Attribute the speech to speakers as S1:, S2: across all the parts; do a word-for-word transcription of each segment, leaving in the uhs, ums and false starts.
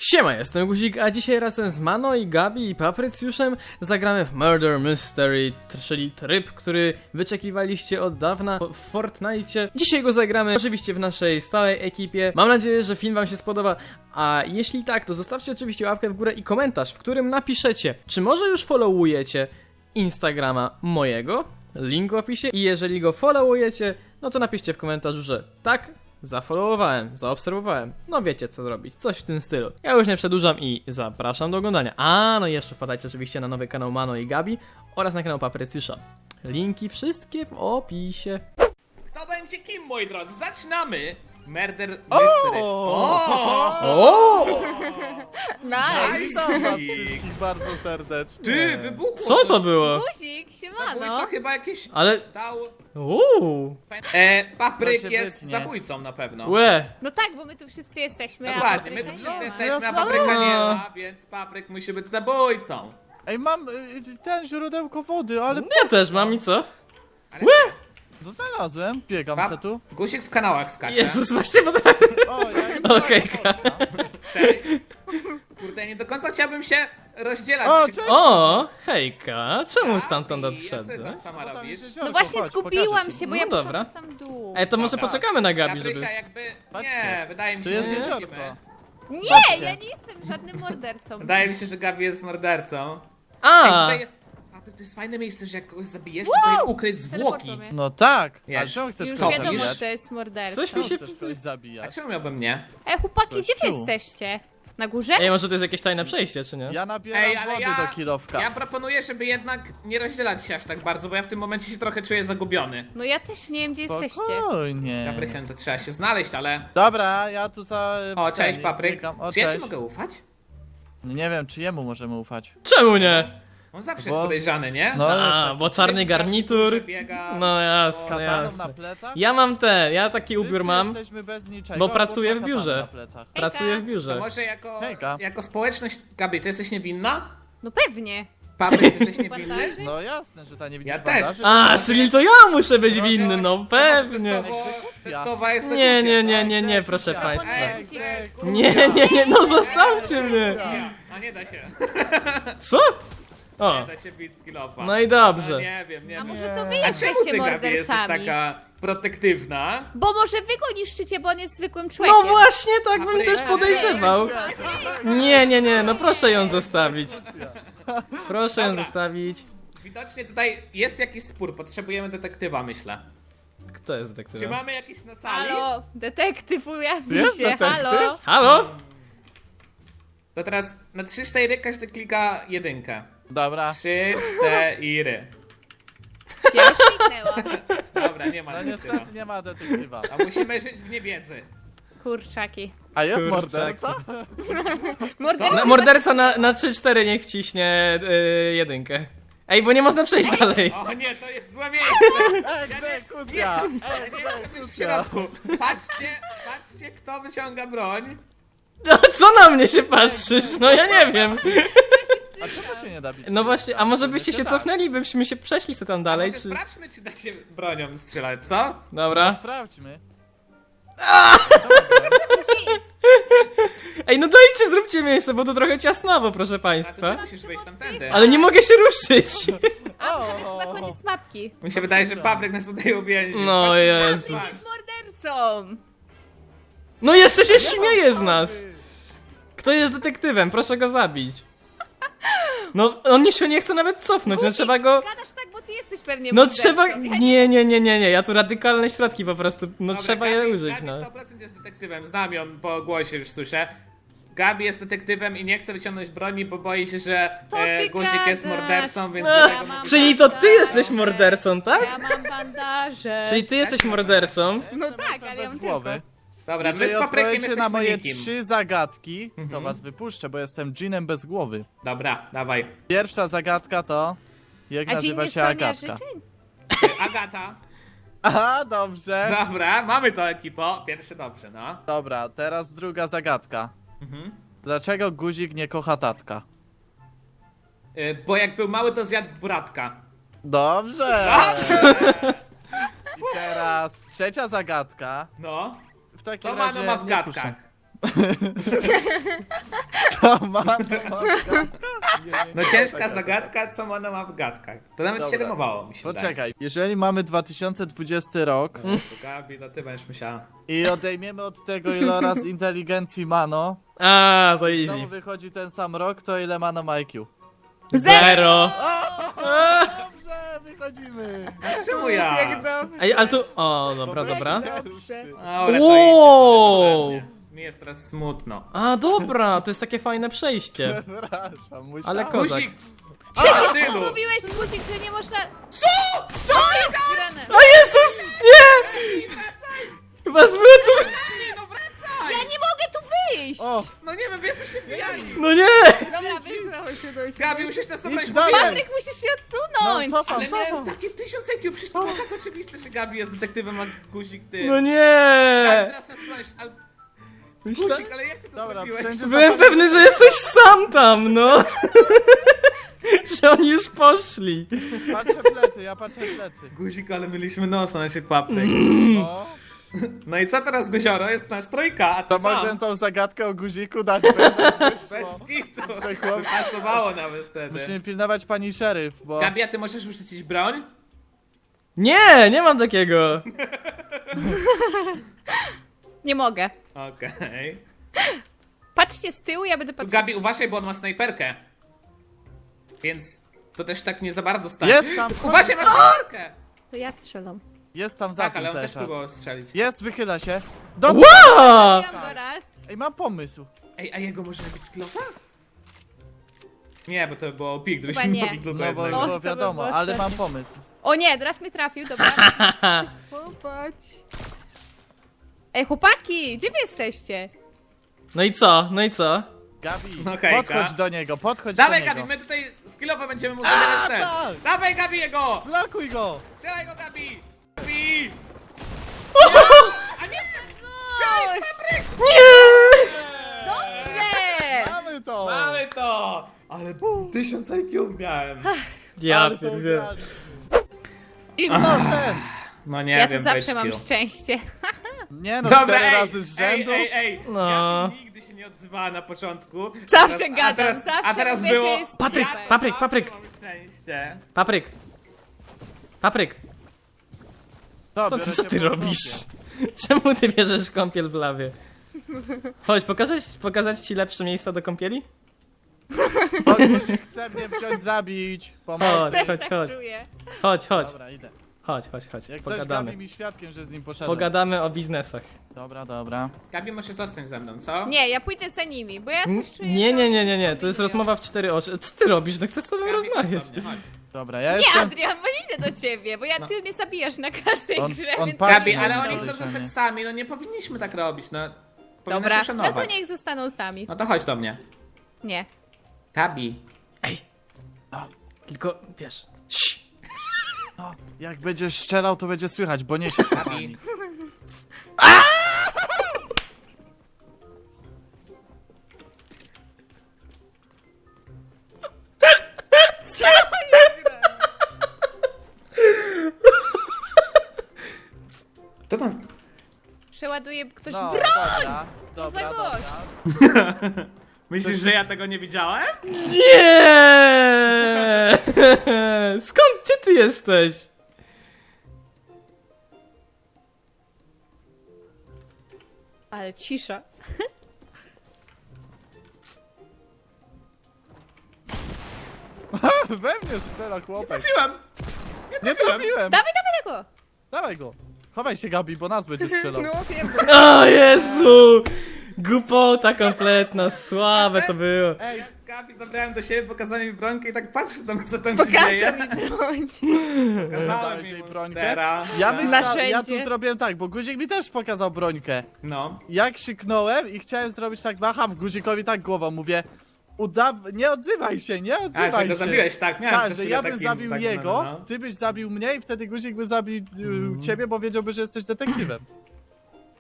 S1: Siema, jestem Guzik, a dzisiaj razem z Mano i Gabi i Paprycjuszem zagramy w Murder Mystery, czyli tryb, który wyczekiwaliście od dawna w Fortnite. Dzisiaj go zagramy oczywiście w naszej stałej ekipie. Mam nadzieję, że film wam się spodoba, a jeśli tak, to zostawcie oczywiście łapkę w górę i komentarz, w którym napiszecie, czy może już followujecie Instagrama mojego, link w opisie, i jeżeli go followujecie, no to napiszcie w komentarzu, że tak, zafollowowałem, zaobserwowałem. No wiecie co zrobić, coś w tym stylu. Ja już nie przedłużam i zapraszam do oglądania. A no i jeszcze wpadajcie oczywiście na nowy kanał Mano i Gabi oraz na kanał Paprycjusza. Linki wszystkie w opisie.
S2: Kto będzie kim, moi drodzy? Zaczynamy! Murder Mystery.
S1: O!
S3: Nice!
S4: Witam was wszystkich bardzo serdecznie.
S2: Ty, wybuchło!
S1: Co to
S2: coś.
S1: było?
S3: Guzik,
S2: Zabójca
S3: siemano!
S2: chyba jakieś
S1: Ale...
S2: dał...
S1: Uuu!
S2: E, papryk
S4: To się
S2: jest
S4: wytnie.
S2: zabójcą na pewno.
S1: Łe!
S3: No tak, bo my tu wszyscy jesteśmy. a
S2: Dokładnie, my
S3: papryka
S2: tu wszyscy
S3: nie ma.
S2: jesteśmy, a
S4: Jasne.
S2: papryka nie ma, więc papryk musi być zabójcą.
S4: Ej, mam y, ten źródełko wody, ale
S1: Ja też mam i co?
S2: Ale
S4: no znalazłem, biegam
S2: Pap-
S4: se tu.
S2: Guzik w kanałach skacze.
S1: Jezus, właśnie bo to...
S4: O, ja
S1: Okej.
S2: Cześć. Kurde, nie do końca chciałbym się rozdzielać.
S4: O,
S2: Czy-
S4: cześć!
S1: O, hejka, czemu stamtąd
S2: Gabi, a co
S1: odszedłeś?
S2: tam sama
S4: No tam
S2: robisz?
S4: jest jeziorko,
S3: No właśnie
S4: chodź,
S3: skupiłam
S4: pokażę ci.
S3: się, bo
S1: No
S3: ja poszłam
S1: dobra.
S3: na sam dół.
S1: Ej, to może
S2: Dobra.
S1: poczekamy na Gabi, żeby...
S2: Gabrysia jakby...
S4: Patrzcie,
S2: Nie, wydaje mi
S4: Tu
S2: się,
S4: jest
S2: że nie
S4: jeziorko.
S2: musimy.
S3: Nie,
S4: Patrzcie.
S3: ja nie jestem żadnym mordercą.
S2: Wydaje mi się, że Gabi jest mordercą. Ej,
S1: A!
S2: tutaj jest... Papryk, to jest fajne miejsce, że jak kogoś zabijesz, to tutaj ukryć zwłoki.
S3: Teleportuj mnie.
S4: No tak, a
S2: Jest.
S4: czemu chcesz
S3: Już
S4: kogoś
S3: wiadomo,
S4: zabijać?
S3: że to jest morderca.
S1: Coś mi
S4: Czemu
S1: się...
S4: chcesz kogoś
S2: A
S4: zabijać?
S2: czemu miałbym nie?
S3: Ej, chłopaki, gdzie wy
S4: Kościół.
S3: jesteście? Na górze?
S1: Ej, może to jest jakieś tajne przejście, czy nie?
S4: Ja nabieram
S2: Ej, ale
S4: wody
S2: ja...
S4: do kilowka.
S2: Ja proponuję, żeby jednak nie rozdzielać się aż tak bardzo, bo ja w tym momencie się trochę czuję zagubiony.
S3: No ja też nie wiem, gdzie jesteście.
S4: Spokojnie.
S2: Gabrysia, to trzeba się znaleźć, ale...
S4: Dobra, ja tu za...
S2: O, cześć,
S4: ten,
S2: Papryk.
S4: biegam. O,
S2: Czy ja ci
S4: cześć.
S2: mogę ufać?
S4: Nie wiem, czy jemu możemy ufać.
S1: Czemu nie?
S2: On zawsze
S4: Bo-
S2: jest podejrzany, nie?
S4: No,
S1: A,
S4: jest
S1: bo czarny garnitur.
S2: Biega,
S1: No jasne,
S4: kataną na
S1: jasne.
S4: plecach?
S1: Ja mam te, ja taki
S4: Wszyscy
S1: ubiór mam,
S4: jesteśmy bez niczego,
S1: bo
S4: albo
S1: pracuję w
S4: kataną
S1: biurze.
S4: na plecach.
S1: pracuję w
S2: To
S1: biurze.
S2: może jako,
S4: Hejka.
S2: jako społeczność... Gabi, ty jesteś niewinna?
S3: No pewnie.
S2: Papryk, ty jesteś niewinny?
S3: Bandaży?
S4: No jasne, że ta nie widzisz
S2: Ja też.
S4: bandaży?
S1: A, czyli to ja muszę być winny, no pewnie.
S2: Testowo, testowa egzekucja,
S1: Nie, nie,
S2: co?
S1: nie, nie, nie, proszę państwa.
S4: Egzekucja.
S1: Nie, nie, nie, no zostawcie mnie.
S2: A nie da się.
S1: Co?
S2: Nie
S1: O,
S2: da się bić skillofa.
S1: no i
S2: No,
S1: dobrze.
S2: nie wiem, nie
S3: A
S2: wiem.
S3: może to wy
S2: A czemu ty,
S3: jesteście
S2: Gabi, jesteś
S3: mordercami?
S2: taka protektywna?
S3: Bo może wy go niszczycie, bo on jest zwykłym człowiekiem.
S1: No właśnie, tak bym też podejrzewał. Nie, nie, nie, no proszę ją zostawić. Proszę ją
S2: Dobra.
S1: zostawić.
S2: Widocznie tutaj jest jakiś spór, potrzebujemy detektywa, myślę.
S1: Kto jest
S2: Czy
S1: detektywem?
S2: mamy jakiś na sali?
S3: Halo, detektyw ujawnił
S4: Jest
S3: się,
S4: detektyw?
S3: halo.
S1: Halo?
S2: To teraz na trzy cztery każdy klika jedynkę.
S4: Dobra.
S2: trzy cztery.
S3: Ja już kliknęłam.
S2: Dobra, nie ma
S4: No
S2: detektywa.
S4: niestety nie ma detektywa.
S2: A musimy żyć w niewiedzy.
S3: Kurczaki.
S4: A jest
S1: Kurczak.
S4: morderca?
S3: Morderca?
S1: No, morderca na, na trzy cztery niech wciśnie y, jedynkę. Ej, bo nie można przejść dalej.
S2: O nie, to jest złe miejsce!
S4: Egzekucja!
S2: Nie chcę być w
S4: Egzekucja!
S2: środku. Patrzcie, patrzcie kto wyciąga broń.
S1: No, co na mnie się patrzysz? No ja nie wiem.
S4: A czemu się nie da bić?
S1: No właśnie, a może byście się
S4: Jeszcze tak.
S1: cofnęli, byśmy się przeszli sobie tam dalej,
S2: Może
S1: czy...
S2: sprawdźmy, czy da się bronią strzelać, co?
S1: Dobra.
S4: Sprawdźmy.
S1: Ej, no dajcie, zróbcie miejsce, bo to trochę ciasnowo, proszę
S2: A to
S1: państwa.
S2: ty musisz wyjść tamtędy.
S1: Ale nie mogę się ruszyć.
S3: A, to jest chyba koniec mapki.
S2: Mi się wydaje, że Papryk nas tutaj uwięził.
S1: No
S2: Patrzcie,
S1: Jezus.
S2: patrz.
S3: Jest mordercą.
S1: No jeszcze się śmieje z nas. Kto jest detektywem? Proszę go zabić. No, on się nie chce nawet cofnąć, no
S3: Guzik,
S1: trzeba go...
S3: Gadasz tak, bo ty jesteś pewnie
S1: No
S3: mordercą.
S1: trzeba...
S3: Ja
S1: Nie, nie, nie, nie, nie, ja tu radykalne środki po prostu, no
S2: Dobra,
S1: trzeba
S2: Gabi,
S1: je użyć,
S2: Gabi
S1: no.
S2: sto procent jest detektywem, znam ją po głosie, już słyszę. Gabi jest detektywem i nie chce wyciągnąć broni, bo boi się, że
S3: Co
S2: e,
S3: ty
S2: Guzik jest
S3: gadasz?
S2: mordercą, więc
S1: No,
S2: dlatego...
S3: mam
S1: czyli to ty
S3: bandaże.
S1: jesteś mordercą, tak?
S3: Ja mam bandaże.
S1: Czyli ty jesteś mordercą?
S3: No tak, ale ja
S4: bez
S3: mam
S4: głowy.
S3: tylko.
S2: Dobra, my z
S4: Jeżeli
S2: Paprykiem
S4: odpowiecie
S2: jesteśmy
S4: na moje
S2: nikim.
S4: trzy zagadki, to
S2: Mhm.
S4: was wypuszczę, bo jestem dżinem bez głowy.
S2: Dobra, dawaj.
S4: Pierwsza zagadka to... Jak
S3: A dzień
S4: nazywa
S3: nie
S4: się
S3: spełnia
S4: Agatka?
S3: życzeń?
S2: Agata.
S4: Aha, dobrze.
S2: Dobra, mamy to ekipo. Pierwszy dobrze, no.
S4: Dobra, teraz druga zagadka.
S2: Mhm.
S4: Dlaczego guzik nie kocha tatka?
S2: Y, bo jak był mały, to zjadł bratka.
S4: Dobrze! I teraz trzecia zagadka.
S2: No.
S4: W takim
S2: Co
S4: razie
S2: Mano ma w
S4: nie
S2: gadkach?
S4: puszczę. To ma, to ma gadka? Nie, nie,
S2: No
S4: nie,
S2: ciężka
S4: taka
S2: zagadka, co ona ma w gadkach. To nawet się
S4: Dobra.
S2: rymowało, mi się wydaje.
S4: Poczekaj, jeżeli mamy dwa tysiące dwudziesty rok
S2: No, to Gabi, to ty będziesz musiała.
S4: i odejmiemy od tego iloraz inteligencji Mano,
S1: A, to
S4: znowu
S1: easy.
S4: wychodzi ten sam rok, to ile Mano ma I Q?
S1: Zero.
S4: Dobrze, wychodzimy!
S2: Czemu ja?
S3: Jak dobrze.
S1: Ej, ale tu... O, dobra,
S4: Bo
S1: dobra.
S4: dobrze.
S2: Dobra, to
S1: Wow.
S2: idźcie, mi jest teraz smutno.
S1: A, dobra, to jest takie fajne przejście.
S4: Przepraszam, musiałem.
S1: Ale ko- Kozak.
S2: Guzik! Przecież
S3: Mówiłeś, Guzik, że nie można... Co? Co jest grane?
S1: O Jezus, nie! Chyba zbyt...
S2: No wracaj!
S3: Ja nie mogę tu wyjść!
S4: O,
S2: No nie wiem, wy jesteście wbijani.
S1: No nie!
S3: Dobra, wyjść, się dojść.
S2: Gabi, musisz nas
S4: idź
S2: zabrać
S4: dalej!
S3: Patryk, musisz się
S4: No
S3: odsunąć!
S4: cofam,
S2: Ale miałem
S4: cofam!
S2: takie tysiąc I Q, przecież to było tak oczywiste, że Gabi jest detektywem, a Guzik ty.
S1: No
S2: Gabi,
S1: nie!
S2: teraz nas sprawdzisz, ale...
S1: Myślę...
S2: Guzik, ale jak ty to
S4: Dobra,
S2: zrobiłeś?
S4: wszędzie
S1: Byłem
S4: zapomnę-
S1: pewny, że jesteś sam tam, no! Że oni już poszli.
S4: Patrzę w plecy, ja patrzę w plecy.
S2: Guzik, ale mieliśmy nos na naszej papryk.
S4: No,
S2: No i co teraz, Guzioro? Jest nas trójka, a ty
S4: to
S2: sam.
S4: mogłem tą zagadkę o guziku dać, będę
S2: Bez
S4: wyszło.
S2: kitu.
S4: Że chłop-
S2: Pasowało nawet wtedy.
S4: Musimy pilnować pani szeryf, bo...
S2: Gabi, a ty możesz wyrzucić broń?
S1: Nie, nie mam takiego.
S3: Nie mogę.
S2: Okej.
S3: Patrzcie z tyłu, ja będę patrzeć.
S2: Gabi, uważaj, bo on ma snajperkę. Więc to też tak nie za bardzo stać.
S4: Jest tam,
S2: Uważaj, masz snajperkę!
S3: To ja strzelam.
S4: jest tam za
S2: Tak,
S4: tym
S2: ale on
S4: cały
S2: też
S4: czas.
S2: próbował strzelić.
S4: Jest, wychyla się. Do...
S1: Ła!
S3: Ja go raz.
S4: Ej, mam pomysł.
S2: Ej, a jego można być z klofa? Nie, bo to by było pik, gdybyśmy
S3: Chyba nie.
S2: mogli do
S4: No bo
S2: jednego.
S3: O, to
S4: było
S3: by
S4: wiadomo,
S3: było
S4: ale
S3: strasznie.
S4: mam pomysł.
S3: O nie, teraz mnie trafił, dobra. Popatrz. Ej, chłopaki, gdzie wy jesteście?
S1: No i co? No i co?
S4: Gabi,
S2: No hejka.
S4: podchodź do niego, podchodź
S2: Dawaj,
S4: do
S2: Gabi,
S4: niego.
S2: my tutaj skillowo będziemy mu zabierać ten.
S4: tak!
S2: Dawaj, Gabi, jego!
S4: Blokuj go!
S2: Strzelaj go, Gabi! Gabi! A nie!
S3: Cóż,
S1: Nie!
S3: dobrze!
S4: Mamy to!
S2: Mamy to! Ale tysiąc I Q miałem.
S1: Ja
S4: Ale to
S1: pierdzielę.
S4: ugrali. Innocent!
S2: No nie
S3: Ja tu
S2: wiem,
S3: zawsze mam
S2: byczku.
S3: szczęście.
S4: Nie no,
S2: Dobra,
S4: cztery
S2: ej,
S4: razy z rzędu.
S2: ej, ej, ej.
S1: No.
S2: Gabi nigdy się nie odzywała na początku.
S3: Zawsze
S2: Teraz-
S3: gadam,
S2: a teraz,
S3: zawsze
S2: a teraz
S3: mówię,
S2: było...
S3: że jest
S1: Patryk,
S3: super.
S1: papryk, papryk.
S2: Mam szczęście.
S1: Papryk. Papryk.
S4: To,
S1: To,
S4: biorę
S1: co
S4: cię
S1: ty
S4: po
S1: robisz?
S4: dupie.
S1: Czemu ty bierzesz kąpiel w lawie? Chodź, pokazać, pokazać ci lepsze miejsca do kąpieli?
S4: O, guzik chce mnie wziąć, zabić. Pomocy.
S1: Chodź.
S3: Też
S1: Chodź,
S3: tak
S1: chodź.
S3: czuję.
S1: Chodź, chodź,
S4: Dobra, idę.
S1: chodź, chodź, chodź.
S4: Jak coś
S1: Pogadamy.
S4: Gabi mi świadkiem, że z nim poszedłem.
S1: Pogadamy o biznesach.
S4: Dobra, dobra.
S2: Gabi, może zostań ze mną, co?
S3: Nie, ja pójdę za nimi, bo ja
S1: N-
S3: coś czuję.
S1: Nie,
S3: że
S1: nie,
S3: oni
S1: nie, nie, nie,
S3: coś
S1: to jest
S3: robią.
S1: rozmowa w cztery oczy. Co ty robisz? No chcę z tobą
S2: Gabi, chodź
S1: rozmawiać.
S2: do mnie, chodź.
S4: Dobra, ja
S3: Nie,
S4: jestem...
S3: Adrian, bo nie idę do ciebie, bo ja
S1: No.
S3: ty mnie zabijasz na każdej
S4: On-
S3: grze,
S4: on
S3: więc...
S4: patrzy
S2: Gabi,
S4: na
S2: ale
S4: mnie
S2: oni chcą
S4: podejrzanie.
S2: zostać sami, no nie powinniśmy tak robić, no. Powinnaś
S3: Dobra, no
S2: uszanować.
S3: to niech zostaną sami.
S2: No to chodź do mnie.
S3: Nie.
S2: Gabi.
S1: Ej. Tylko, wiesz. Sz.
S4: No, jak będziesz strzelał, to będzie słychać, bo nie się
S2: Gabi. Co tam?
S3: Przeładuje ktoś
S4: No,
S3: broń!
S4: dobra,
S3: Co za
S4: dobra,
S3: gość?
S4: dobra.
S2: Myślisz, że ja tego nie widziałem?
S1: Nie! Skąd, gdzie ty jesteś?
S3: Ale cisza.
S4: We mnie strzela chłopak.
S2: Trafiłem!
S4: Nie trafiłem!
S3: Dawaj, dawaj tego!
S4: Dawaj go. Chowaj się, Gabi, bo nas będzie strzelał.
S3: No wiem.
S1: O Jezu! Głupota kompletna, słabe to było.
S4: Ej,
S2: Ja z Gabi zabrałem do siebie, pokazałem mi bronkę i tak patrzę tam, co tam się
S3: Pokażę
S2: dzieje.
S3: mi broń.
S2: Pokazałem
S4: Pokazałeś
S2: mi
S4: jej
S2: monstera.
S4: brońkę? Ja myślałem, ja tu
S3: Narzędzie.
S4: zrobiłem tak, bo guzik mi też pokazał brońkę.
S2: No.
S4: Jak krzyknąłem i chciałem zrobić tak, macham guzikowi tak głową, mówię uda... nie odzywaj się, nie
S2: A,
S4: odzywaj
S2: że
S4: się.
S2: go zabiłeś, tak? Miałem
S4: Tak,
S2: przez
S4: że
S2: chwilę
S4: ja bym
S2: taki-
S4: zabił
S2: taki-
S4: jego,
S2: no, no.
S4: ty byś zabił mnie i wtedy guzik by zabił y, ciebie, bo wiedziałby, że jesteś detektywem.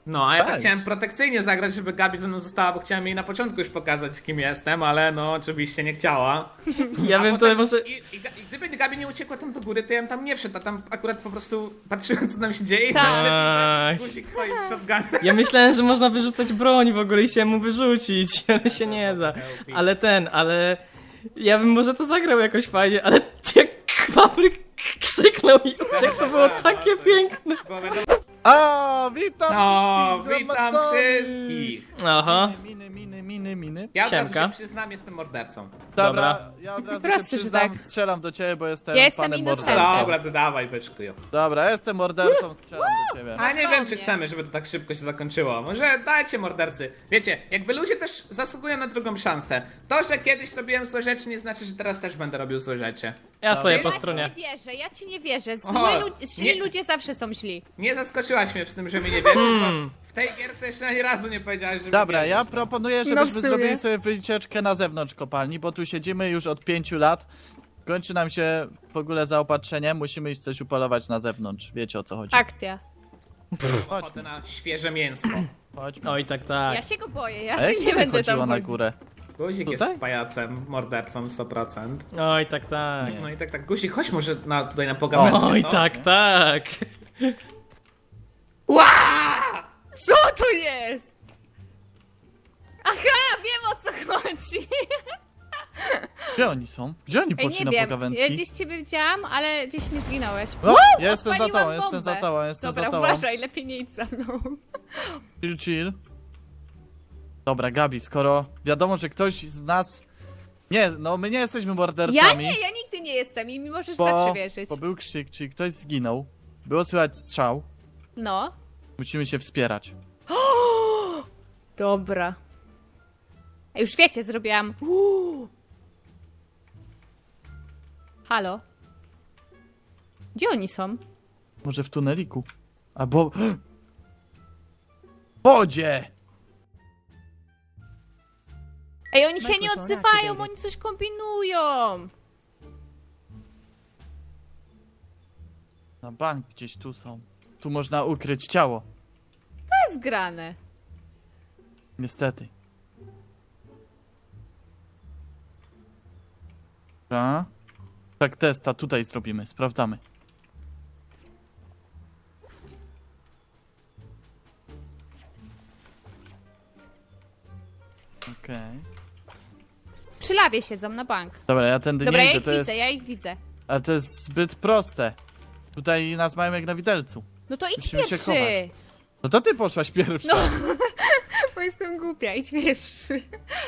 S2: No, a ja tak
S4: Tak.
S2: chciałem protekcyjnie zagrać, żeby Gabi ze mną została, bo chciałem jej na początku już pokazać, kim jestem, ale no oczywiście nie chciała.
S1: Ja
S2: A
S1: bym to
S2: potem-
S1: może...
S2: I, i, Ga- I gdyby Gabi nie uciekła tam do góry, to ja bym tam nie wszedł, a tam akurat po prostu patrzyłem, co tam się dzieje i
S3: Tak.
S2: nagle widzę, guzik stoi z shotgunem.
S1: Ja myślałem, że można wyrzucać broń w ogóle i się mu wyrzucić, ale się nie da. Ale ten, ale... Ja bym może to zagrał jakoś fajnie, ale jak Papryk krzyknął i uciekł, to było takie piękne.
S2: Bo wiadomo-
S4: A, witam
S2: No,
S4: wszystkich
S2: witam
S4: zgromadzeni.
S2: wszystkich!
S1: Aha.
S4: Miny, miny, miny, miny.
S2: Ja od razu
S1: Siemka.
S2: się przyznam, jestem mordercą.
S4: Dobra,
S1: Dobra.
S4: ja od razu
S3: Proste,
S4: się
S3: że
S4: przyznam,
S3: tak.
S4: strzelam do ciebie, bo jestem
S3: Ja jestem
S4: panem
S3: innocentem.
S4: mordercą.
S2: Dobra, to dawaj, byczku.
S4: Dobra, jestem mordercą, strzelam do ciebie.
S2: A nie wiem, czy
S3: Spokojnie.
S2: chcemy, żeby to tak szybko się zakończyło. Może dajcie mordercy. Wiecie, jakby ludzie też zasługują na drugą szansę. To, że kiedyś robiłem złe rzeczy, nie znaczy, że teraz też będę robił złe rzeczy.
S1: Ja stoję po
S3: Ja ci
S1: stronie.
S3: nie wierzę, ja ci nie wierzę. Zły
S2: O,
S3: ludzie, źli
S2: nie-
S3: ludzie zawsze są źli.
S2: Nie zaskoczyłaś mnie w tym, że mi nie wierzysz, bo w tej gierce jeszcze ani razu nie powiedziałeś, że mi
S4: Dobra,
S2: wierzysz.
S4: ja proponuję,
S3: No w
S4: żebyśmy
S3: sumie.
S4: zrobili sobie wycieczkę na zewnątrz kopalni, bo tu siedzimy już od pięciu lat. Kończy nam się w ogóle zaopatrzenie, musimy iść coś upolować na zewnątrz. Wiecie o co chodzi.
S3: Akcja.
S2: Ochotę
S4: Chodźmy,
S2: na świeże mięsko.
S4: chodźmy.
S1: Oj, tak, tak.
S3: Ja się go boję, ja
S4: A jak
S3: nie
S4: się
S3: będę
S4: wychodziło
S3: tam
S4: na
S3: chodzić.
S4: górę?
S2: Guzik
S4: Tutaj?
S2: jest pajacem, mordercą sto procent.
S1: Oj, tak, tak.
S4: Nie.
S2: No i tak, tak, Guzik, chodź może na, tutaj na pogawędkę,
S1: Oj,
S2: co?
S1: tak, tak.
S2: Ła!
S3: Co to jest? Aha, wiem o co chodzi.
S4: Gdzie oni są? Gdzie oni
S3: Ej,
S4: poszli
S3: nie
S4: na
S3: wiem, ja
S4: pogawędki?
S3: gdzieś ciebie widziałam, ale gdzieś mi zginąłeś.
S4: O, ja jestem za
S3: Odpaliłam
S4: tobą, jestem
S3: bombę.
S4: za tobą, jestem
S3: Dobra,
S4: za tobą.
S3: uważaj, lepiej nie idź za mną.
S4: Chill, chill. Dobra, Gabi, skoro wiadomo, że ktoś z nas... Nie, no my nie jesteśmy mordercami.
S3: Ja nie, ja nigdy nie jestem i mi możesz
S4: bo,
S3: zawsze wierzyć.
S4: bo był krzyk, czyli ktoś zginął. Było słychać strzał.
S3: No.
S4: Musimy się wspierać.
S3: Dobra. A już wiecie, zrobiłam. Uuu. Halo? Gdzie oni są?
S4: Może w tuneliku? Albo... W wodzie!
S3: Ej, oni się nie
S4: Microphone
S3: odzywają,
S4: activated.
S3: oni coś kombinują.
S4: Na bank gdzieś tu są. Tu można ukryć ciało.
S3: To jest grane.
S4: Niestety. Dobra. Tak, testa tutaj zrobimy, sprawdzamy. Okej.
S3: Przy lawie siedzą na bank.
S4: Dobra, ja tędy
S3: Dobra,
S4: nie
S3: ja
S4: idę,
S3: ich
S4: to
S3: widzę,
S4: jest...
S3: ja ich widzę.
S4: Ale to jest zbyt proste. Tutaj nas mają jak na widelcu.
S3: No to idź
S4: Musimy się
S3: pierwszy.
S4: chować. No to ty poszłaś pierwsza.
S3: No. Bo jestem głupia, idź pierwszy.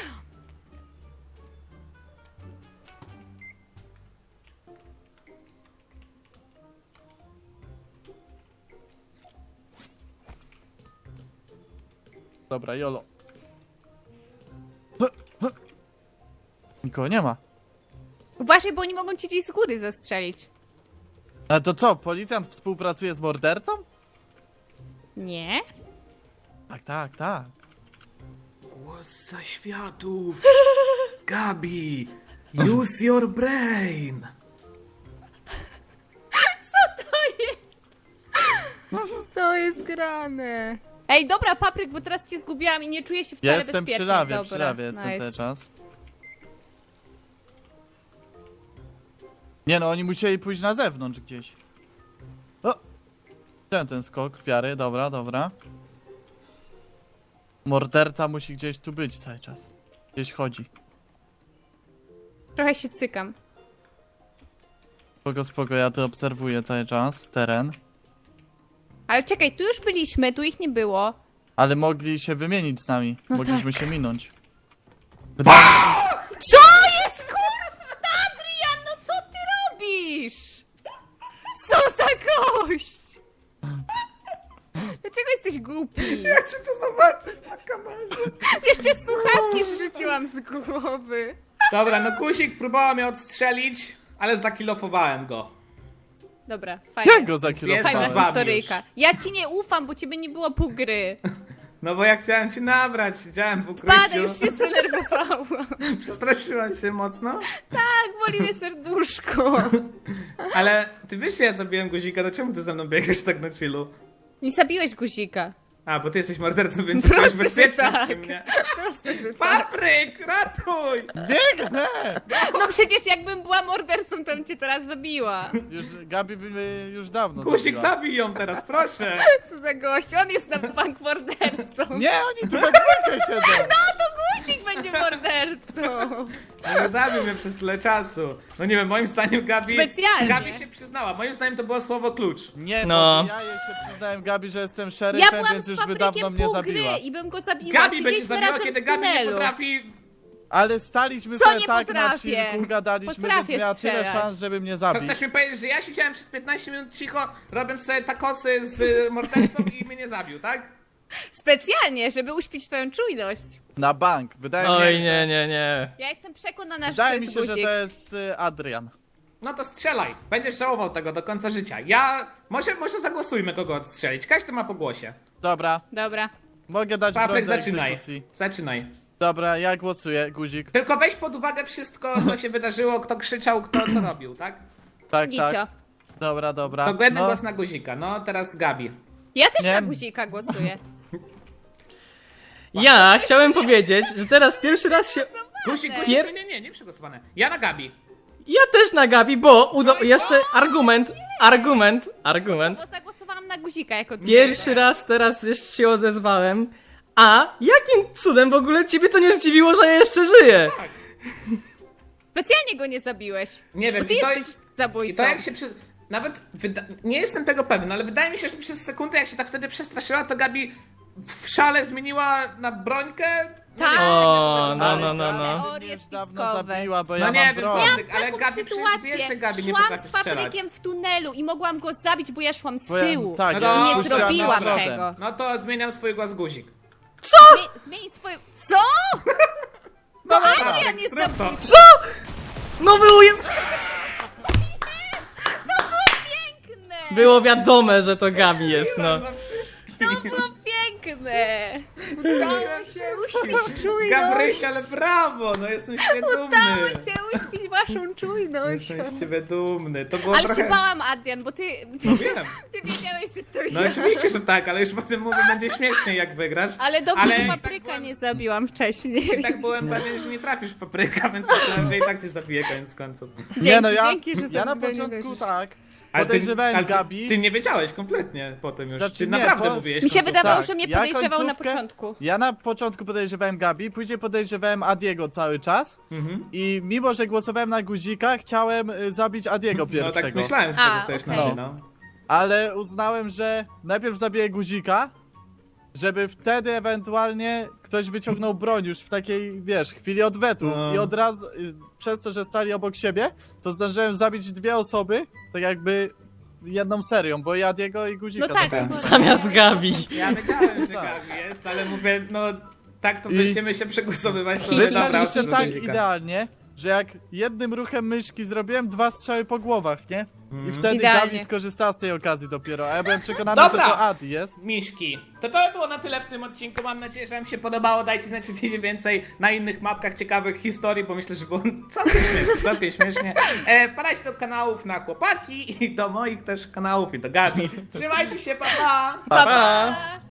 S4: Dobra, jolo. Nikogo nie ma.
S3: Uważaj, bo oni mogą cię gdzieś z góry zastrzelić.
S4: Ale to co, policjant współpracuje z mordercą?
S3: Nie?
S4: Tak, tak, tak.
S2: Głos zaświatów! Gabi! Use your brain!
S3: Co jest grane? Ej, dobra, Papryk, bo teraz cię zgubiłam i nie czuję się wcale
S4: Ja jestem
S3: bezpiecznie.
S4: przy lawie,
S3: dobra,
S4: przy lawie jestem
S3: nice.
S4: cały czas. Nie no, oni musieli pójść na zewnątrz gdzieś. O! Ten ten skok, piary, dobra, dobra. Morderca musi gdzieś tu być cały czas. Gdzieś chodzi.
S3: Trochę się cykam.
S4: Spoko, spoko, ja to obserwuję cały czas, teren.
S3: Ale czekaj, tu już byliśmy, tu ich nie było.
S4: Ale mogli się wymienić z nami.
S3: No
S4: Mogliśmy
S3: tak.
S4: się minąć.
S3: Co jest kurwa, Adrian, no co ty robisz? Co za gość? Dlaczego jesteś głupi?
S2: Ja chcę to zobaczyć na kamerze.
S3: Jeszcze słuchawki zrzuciłam z głowy.
S2: Dobra, no Guzik próbował mnie odstrzelić, ale zakilofowałem go.
S3: Dobra, fajnie.
S4: Jak go
S2: Zjedzmy
S3: Fajna
S2: z
S4: zakierowałem?
S2: wami
S3: historyjka. Ja ci nie ufam, bo ciebie nie było pół gry.
S2: No bo ja chciałem cię nabrać, siedziałem w
S3: Pada,
S2: ukryciu.
S3: już się zdenerwowałam.
S2: Przestraszyłaś się mocno?
S3: Tak, boli mnie serduszko.
S2: Ale ty wiesz, że ja zabiłem Guzika, to czemu ty ze mną biegasz tak na chillu?
S3: Nie zabiłeś guzika.
S2: A, bo ty jesteś mordercą, więc jesteś
S3: Proste,
S2: bezpieczny
S3: że tak.
S2: przy mnie.
S3: Proste, że tak.
S2: Papryk, ratuj!
S4: Biegnę!
S3: No przecież jakbym była mordercą, to bym cię teraz zabiła.
S4: Już Gabi by mnie już dawno
S2: Guzik,
S4: zabiła.
S2: zabij ją teraz, proszę.
S3: Co za gość, on jest na bank mordercą.
S4: Nie, oni tu we dwójkę siedzą.
S3: No to Guzik będzie mordercą.
S2: No, zabił mnie przez tyle czasu. No nie wiem, moim zdaniem Gabi...
S3: Specjalnie.
S2: Gabi się przyznała, moim zdaniem to było słowo klucz.
S4: Nie,
S1: No.
S4: no. ja jej się przyznałem Gabi, że jestem
S3: Ja
S4: szeryfem,
S3: byłam
S4: więc
S3: z
S4: już by
S3: paprykiem
S4: dawno mnie
S3: pół
S4: zabiła.
S3: gry i bym go zabiła.
S2: Gabi będzie
S3: Siedzieliśmy
S2: zabiła,
S3: razem
S2: kiedy
S3: w
S2: Gabi nie
S3: tunelu.
S2: potrafi...
S4: Ale staliśmy
S3: Co
S4: sobie
S3: nie
S4: tak na
S3: potrafię?
S4: chwilku, gadaliśmy,
S3: Potrafię
S4: więc miała tyle
S3: strzelać.
S4: szans, żeby mnie
S2: To
S4: zabić.
S2: chcesz mi powiedzieć, że ja siedziałem przez piętnaście minut cicho, robiąc sobie takosy z y, mordercą i mnie nie zabił, tak?
S3: Specjalnie, żeby uśpić twoją czujność.
S4: Na bank. Wydaje mi
S1: Oj,
S4: się,
S1: nie, nie, nie.
S3: Ja jestem przekonana, że
S4: wydaje
S3: to
S4: mi
S3: jest
S4: się, że
S3: guzik.
S4: to jest y, Adrian.
S2: No to strzelaj, będziesz żałował tego do końca życia. Ja... Może, może zagłosujmy kogo odstrzelić, każdy ma po głosie.
S4: Dobra,
S3: Dobra.
S4: mogę dać broń
S2: Papryk,
S4: do
S2: zaczynaj.
S4: egzekucji.
S2: Zaczynaj.
S4: Dobra, ja głosuję, guzik.
S2: Tylko weź pod uwagę wszystko, co się wydarzyło, kto krzyczał, kto co robił, tak?
S4: Tak,
S3: Gicio.
S4: tak. Dobra, dobra.
S2: To jeden
S4: No,
S2: głos na guzika, no teraz Gabi.
S3: Ja też
S4: Nie.
S3: na guzika głosuję.
S1: Ja chciałem powiedzieć, że teraz pierwszy raz się...
S2: Guzik, guzik,
S1: Pier-
S2: nie, nie, nie, nie przegłosowane. Ja na Gabi.
S1: Ja też na Gabi, bo uda... jeszcze argument, argument, argument.
S3: Bo zagłosowałam na guzika jako
S1: Pierwszy raz teraz jeszcze się odezwałem. A jakim cudem w ogóle ciebie to nie zdziwiło, że ja jeszcze żyję?
S3: Specjalnie go nie zabiłeś.
S2: Nie wiem,
S3: Bo ty
S2: i to,
S3: jesteś zabójcą.
S2: i to jak się przy... Nawet wyda... nie jestem tego pewien, ale wydaje mi się, że przez sekundę jak się tak wtedy przestraszyła, to Gabi w szale zmieniła na brońkę. No
S3: Tak.
S2: nie wiem,
S1: O,
S2: jak to
S1: no,
S2: nazwać.
S1: no, no, no.
S4: Gabi mnie
S3: Teorie
S4: już dawno
S3: spiskowe.
S4: zabiła, bo
S2: No
S4: ja
S2: nie
S4: mam
S2: wiem,
S4: broń.
S2: Patryk, ale
S3: Taką
S2: Gabi przecież wie, że Gabi nie
S3: Szłam
S2: potrafi
S3: z
S2: strzelać.
S3: paprykiem w tunelu i mogłam go zabić, bo ja szłam z
S4: Bo ja-
S3: tyłu.
S4: tak,
S2: No
S4: ja
S2: to-
S3: I nie
S4: puściłam
S3: zrobiłam
S4: na przodem.
S3: tego.
S2: No to zmieniam swój głos guzik.
S3: Zmień, zmień swoje... Co?
S2: No
S3: Adrian jest
S2: zrób to.
S3: zabójcą.
S1: Co? No było,
S3: Piękne!
S1: było wiadome, że to Gabi jest, no.
S3: To było piękne! Udało się uśpić czujność!
S2: Gabryś, ale brawo, no jestem
S3: Udało
S2: świadomy.
S3: się uśpić waszą czujność!
S2: Jestem z ciebie dumny. To było
S3: Ale
S2: trochę...
S3: się bałam, Adrian, bo ty... Ty,
S2: No wiem.
S3: ty wiedziałeś, że to
S2: No
S3: ja.
S2: oczywiście, że tak, ale już potem mówię, będzie śmieszniej jak wygrasz.
S3: Ale dobrze,
S2: Ale
S3: że
S2: i tak
S3: papryka
S2: byłem-
S3: nie zabiłam wcześniej.
S2: I tak byłem pewien, że nie trafisz w papryka, więc myślałem, że i tak cię zabiję koniec końców.
S4: Nie no, ja,
S3: dzięki, że
S4: ja na
S3: sobie nie
S4: początku
S3: wierzysz.
S4: tak,
S2: Ale ty,
S4: podejrzewałem
S2: ale ty,
S4: Gabi.
S2: ty nie wiedziałeś kompletnie potem już.
S4: Znaczy
S2: Ty
S4: nie,
S2: naprawdę
S4: po-
S2: mówiłeś
S3: Mi się
S2: końcówkę.
S3: wydawało,
S4: Tak,
S3: że mnie
S4: ja
S3: podejrzewał na
S4: końcówkę-
S3: początku.
S4: Ja na początku podejrzewałem Gabi, później podejrzewałem Adiego cały czas
S2: Mhm.
S4: i mimo, że głosowałem na guzika, chciałem y, zabić Adiego
S2: No
S4: pierwszego.
S2: tak myślałem, że
S3: A,
S2: tego sobie
S3: okej.
S2: na mnie, no.
S4: Ale uznałem, że najpierw zabiję guzika, żeby wtedy ewentualnie ktoś wyciągnął broń już w takiej, wiesz, chwili odwetu.
S2: No.
S4: I od razu, y, przez to, że stali obok siebie, to zdążyłem zabić dwie osoby, tak jakby jedną serią, bo i Adiego i guzika.
S3: No tak,
S4: zabiłem.
S3: no.
S1: Zamiast Gabi.
S2: Ja wiedziałem, że
S4: Tak.
S2: Gabi jest, ale mówię, no tak to
S4: I-
S2: będziemy się przegłosowywać, to
S3: I-
S2: że
S4: Wy
S2: dobra,
S4: znaliście
S2: odszedł
S4: tak
S2: do guzika.
S4: idealnie, że jak jednym ruchem myszki zrobiłem dwa strzały po głowach, nie? I
S2: Mhm.
S4: wtedy
S3: Idealnie.
S4: Gabi skorzystała z tej okazji dopiero, a ja byłem przekonany,
S2: Dobra.
S4: że to Adi jest.
S2: Miśki, to to by było na tyle w tym odcinku. Mam nadzieję, że wam się podobało. Dajcie znać, czy chcecie więcej na innych mapkach ciekawych historii, bo myślę, że było całkiem śmiesznie. Całkiem śmiesznie. E, wpadajcie do kanałów na chłopaki i do moich też kanałów i do Gabi. Trzymajcie się, pa pa!
S1: Pa, pa.